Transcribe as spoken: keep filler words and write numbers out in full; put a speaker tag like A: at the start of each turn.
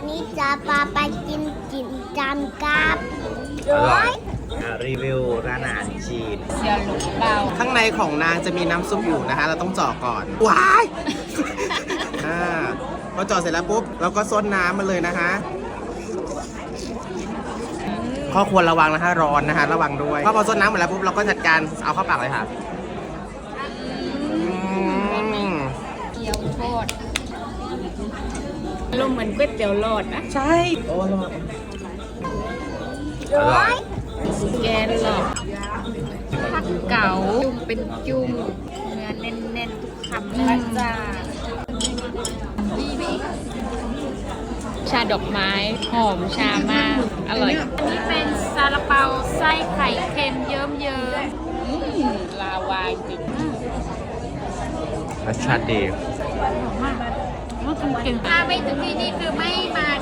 A: นี่จะพาไปกินกินจานกับ
B: อร่อยอ่ะรีวิวร้านอาหารจีน
C: เซียวหลุกเบา
D: ข้างในของนางจะมีน้ำซุปอยู่นะคะ เราต้องเจาะก่อน ว้ายอ่าพอเจาะเสร็จแล้วปุ๊บเราก็ซดน้ำมันเลยนะคะข้อควรระวังนะคะร้อนนะคะ ระวังด้วยพอพอซดน้ำหมดแล้วปุ๊บเราก็จัดการเอาเข้าปากเลยค่ะอืม
C: เกี๊ยวโคตรลมเหมือนก๋วยเตี๋ยวหลอดนะ
D: ใช่โอ้ระวัง
B: อร่อย
C: แกนหลอดผักเก๋าจุ่มเป็นจุ่มเนื้อแน่นๆทุกคำละจ้าชาดอกไม้หอมชามาก อร่อย อันนี้เป็นซาลาเปาไส้ไข่เค็มเยิ้มเยิ้มลาวาจริง
B: รสชาติดี
C: ถ้าไม่ถึงที่นี่คือไม่มา